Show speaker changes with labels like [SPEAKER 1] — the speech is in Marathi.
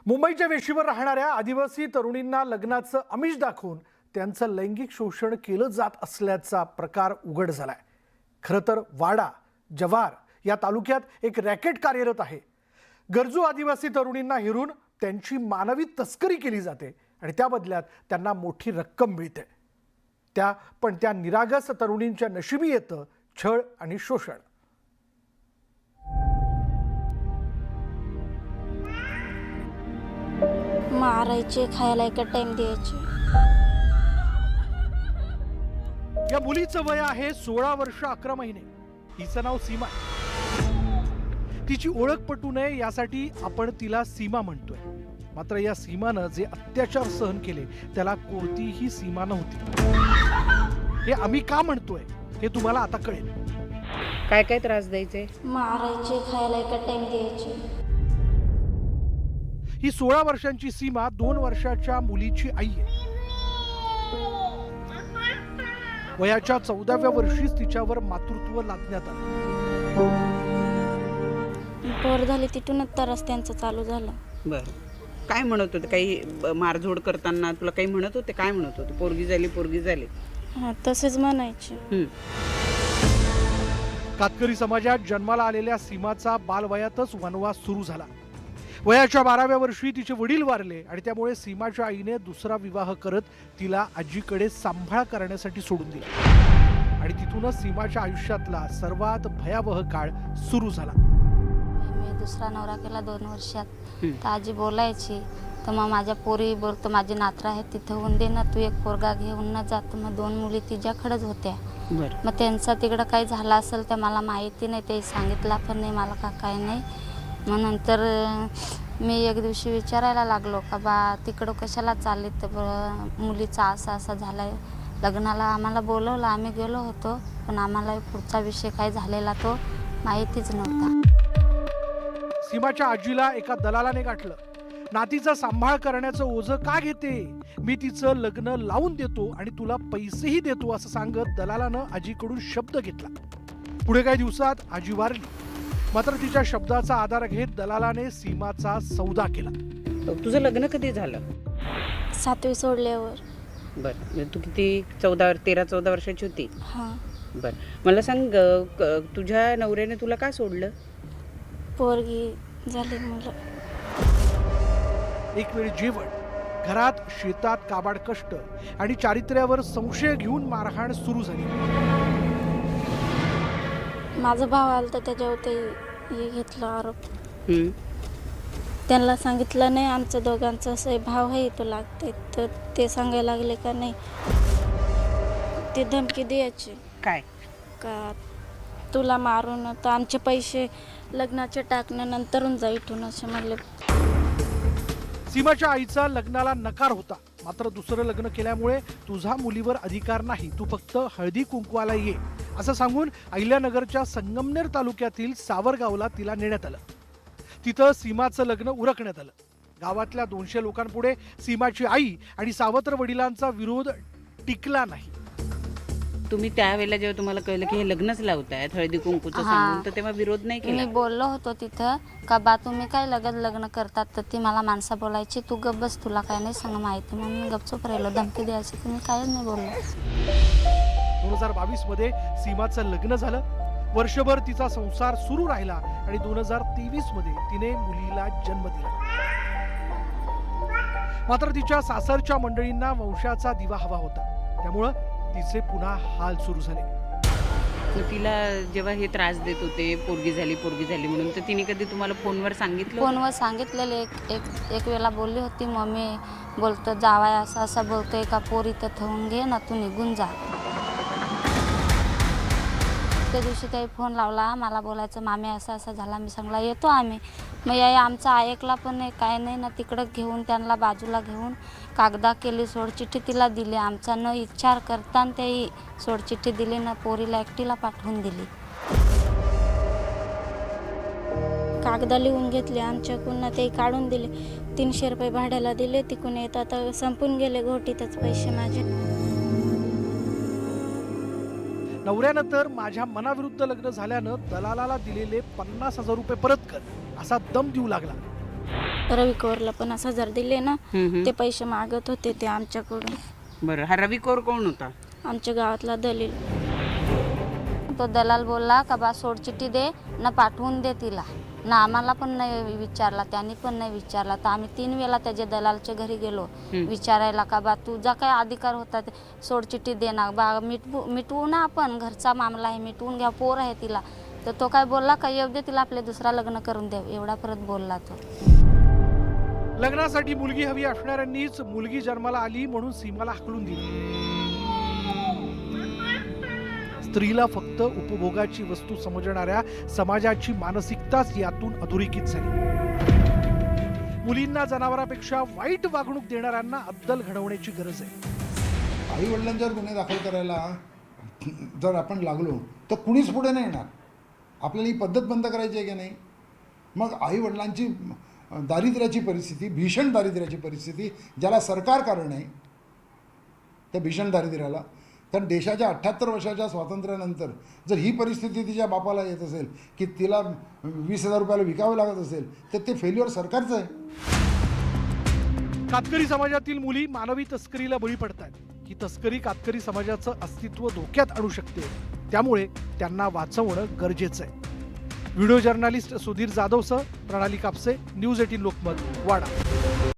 [SPEAKER 1] मुंबईच्या वेशीवर राहणाऱ्या आदिवासी तरुणींना लग्नाचं आमिष दाखवून त्यांचं लैंगिक शोषण केलं जात असल्याचा प्रकार उघड झालाय। खरं तर वाडा, जव्हार या तालुक्यात एक रॅकेट कार्यरत आहे। गरजू आदिवासी तरुणींना हिरून त्यांची मानवी तस्करी केली जाते आणि त्या बदल्यात त्यांना मोठी रक्कम मिळते। त्या निरागस तरुणींच्या नशिबी येतं छळ आणि शोषण।
[SPEAKER 2] मारायचे, खायला एक टाइम द्यायचे।
[SPEAKER 1] या मुलीचं वय आहे 16 वर्ष 11 महिने। हिचं नाव सीमा आहे। तिची ओळख पटू नये यासाठी आपण तिला सीमा म्हणतोय। मात्र या सीमानं जे अत्याचार सहन केले त्याला कोणतीही सीमा नव्हती। हे आम्ही का म्हणतोय हे तुम्हाला आता कळेल।
[SPEAKER 3] काय काय त्रास द्यायचे?
[SPEAKER 2] मारायचे, खायला एक टाइम द्यायचे।
[SPEAKER 1] ही 16 वर्षांची सीमा 2 वर्षाच्या मुलीची आई आहे। वयाच्या 14व्या वर्षीच तिच्यावर मातृत्व लादण्यात आलं।
[SPEAKER 2] पोर झाली तिथूनच तर रस्त्यांचं चालू झालं।
[SPEAKER 3] बरं, काय म्हणत होते? काही मारझोड करताना तुला काही म्हणत होते? काय म्हणत होते? पोरगी झाली, पोरगी झाली?
[SPEAKER 2] हा, तसेच म्हणायचे।
[SPEAKER 1] कातकरी समाजात जन्माला आलेल्या सीमाचा बालवयातच वनवास सुरू झाला। वयाच्या 12व्या वर्षी तिचे वडील वारले आणि त्यामुळे सीमाच्या आईने दुसरा विवाह करत तिला आजीकडे सांभाळ करण्यासाठी सोडून दिला आणि तिथूनच सीमाच्या आयुष्यातला सर्वात भयावह काळ सुरू झाला।
[SPEAKER 2] मी दुसरा नवरा केला 2 वर्षात। तर आजी बोलायची, तर मग माझ्या पोरी बोलतो माझे नातरा आहे तिथे होऊन दे ना, तू एक पोरगा घेऊन न जात। मग 2 मुली तिच्याकडेच होत्या। मग त्यांचा तिकडं काही झालं असेल तर मला माहिती नाही, ते सांगितलं पण नाही मला का काय नाही। मग नंतर मी एक दिवशी विचारायला लागलो का बा तिकडं कशाला चालले, तर मुलीचा असा झालाय, लग्नाला आम्हाला बोलवलं, आम्ही गेलो होतो पण आम्हाला पुढचा विषय काय झालेला तो माहितीच नव्हता।
[SPEAKER 1] सीमाच्या आजीला एका दलालाने गाठलं। नातीचा सांभाळ करण्याचं ओझं का घेते, मी तिचं लग्न लावून देतो आणि तुला पैसेही देतो असं सांगत दलालानं आजीकडून शब्द घेतला। पुढे काही दिवसात आजी वारली। मात्र तिच्या शब्दाचा आधार घेत दलालाने सीमाचा सौदा केला।
[SPEAKER 3] तुझं लग्न कधी झालं?
[SPEAKER 2] 7वी सोडल्यावर।
[SPEAKER 3] बरं, तू किती 13-14 वर्षाची होती?
[SPEAKER 2] हा।
[SPEAKER 3] बरं, मला सांग, तुझ्या नवऱ्याने तुला का सोडलं?
[SPEAKER 2] पोरगी झाली मुलं।
[SPEAKER 1] एक वेळ जेवण, घरात शेतात काबाड कष्ट आणि चारित्र्यावर संशय घेऊन मारहाण सुरू झाली।
[SPEAKER 2] माझा भाव आला तर त्याच्यावर ते हे घेतलं आरोप। त्यांना सांगितलं नाही आमचं दोघांचं असं भाव आहे तो लागते, तर ते सांगायला लागले का नाही, ते धमकी द्यायची
[SPEAKER 3] काय
[SPEAKER 2] का तुला मारून तर आमचे पैसे लग्नाचे टाकण्यानंतरून जा इथून असे म्हणले।
[SPEAKER 1] सीमाच्या आईचा लग्नाला नकार होता। मात्र दुसरं लग्न केल्यामुळे तुझा मुलीवर अधिकार नाही, तू फक्त हळदी कुंकवाला ये असं सांगून अहिल्यानगरच्या संगमनेर तालुक्यातील सावरगावला तिला नेण्यात आलं। तिथं सीमाचं लग्न उरकण्यात आलं। गावातल्या 200 लोकांपुढे सीमाची आई आणि सावत्र वडिलांचा विरोध टिकला नाही।
[SPEAKER 3] तुम्ही त्यावेळेला जेव्हा तुम्हाला कळलं की हे लग्नच लावतायत हळदी कुंकूचं सांगून, तर तेव्हा विरोध नाही केला?
[SPEAKER 2] मी बोललो होतो तिथं का बा तुम्ही काय लग्न करतात, तर ती मला माणसं बोलायची तू गप बस, तुला काय नाही सांग माहिती, म्हणून मी गपचूप राहिलो। धमकी द्यायची, तुम्ही काय नाही बोललो।
[SPEAKER 1] 2022 मध्ये सीमाचं लग्न झालं। वर्षभर तिचा संसार सुरू राहिला आणि 2023 मध्ये तिने मुलीला जन्म दिला। मात्र तिच्या सासरच्या मंडळींना वंशाचा दिवा हवा होता, त्यामुळं तिचे पुन्हा हाल सुरू झाले।
[SPEAKER 3] तर तिला जेव्हा हे त्रास देत होते पोरगी झाली म्हणून, तर तिने कधी तुम्हाला फोनवर सांगितलं?
[SPEAKER 2] फोनवर सांगितलेले एक वेळेला बोलली होती, मम्मी बोलतो जावाय असं बोलतोय का पोरी तर ठेवून घे ना, तू निघून जा। त्या दिवशी काही फोन लावला मला, बोलायचं मामी असं झाला। मी सांगला येतो आम्ही। मग या आमचा ऐकला पण नाही, काय नाही ना, तिकडं घेऊन त्यांना बाजूला घेऊन कागदा केली, सोडचिठ्ठी तिला दिली, आमचा न विचार करता ते सोडचिठ्ठी दिली ना, पोरीला एकटीला पाठवून दिली। कागदा लिहून घेतले आमच्याकडून, ते काढून दिले। 300 रुपये भाड्याला दिले, तिकडून येतात संपून गेले घोटीतच पैसे माझे।
[SPEAKER 1] नवऱ्यानं तर माझ्या मनाविरुद्ध लग्न झाल्यानं दलालाला दिलेले 50,000 रुपये परत कर असा दम देऊ लागला।
[SPEAKER 4] रवी कौरला 50,000 दिले ना,
[SPEAKER 3] हम्म.
[SPEAKER 4] ते पैसे मागत होते ते आमच्याकडून.
[SPEAKER 3] बरं, हा रवी कौर कोण होता?
[SPEAKER 4] आमच्या गावातला दलील.
[SPEAKER 2] तो दलाल बोलला का बा सोड चिठ्ठी दे ना पाठवून दे तिला ना, आम्हाला पण नाही विचारला, त्यांनी पण नाही विचारला. तर आम्ही 3 वेळा त्याच्या दलालच्या घरी गेलो विचारायला का बा तुझा काय अधिकार होता ते सोड चिठ्ठी दे ना बा, मिटवू ना, आपण घरचा मामला आहे, मिटवून घ्या, पोर आहे तिला. तर तो काय बोलला का येऊ दे तिला, आपले दुसरा लग्न करून द्या, एवढा परत बोलला तो.
[SPEAKER 1] लग्नासाठी मुलगी हवी असणाऱ्यांनीच मुलगी जन्माला आली म्हणून सीमाला हाकलून दिली. स्त्रीला फक्त उपभोगाची वस्तू समजणाऱ्या समाजाची मानसिकताच यातून अधोरेखित झाली. मुलींना जनावरांपेक्षा वाईट वागणूक देणाऱ्यांना अद्दल घडवण्याची गरज आहे.
[SPEAKER 5] आई वडिलांच्यावर गुन्हे दाखल करायला जर आपण लागलो तर कुणीच पुढे नाही येणार. आपल्याला ही पद्धत बंद करायची आहे की नाही? मग आई वडिलांची दारिद्र्याची परिस्थिती, भीषण दारिद्र्याची परिस्थिती, ज्याला सरकार कारण आहे त्या भीषण दारिद्र्याला, कारण देशाच्या 78 वर्षाच्या स्वातंत्र्यानंतर जर ही परिस्थिती तिच्या बापाला येत असेल की तिला 20,000 रुपयाला विकावं लागत असेल तर ते फेल्युअर सरकारचं आहे.
[SPEAKER 1] कातकरी समाजातील मुली मानवी तस्करीला बळी पडतात. ही तस्करी कातकरी समाजाचं अस्तित्व धोक्यात आणू शकते, त्यामुळे त्यांना वाचवणं गरजेचं आहे. व्हिडिओ जर्नलिस्ट सुधीर जाधवसह प्रणाली कापसे, न्यूज 18 लोकमत, वाडा.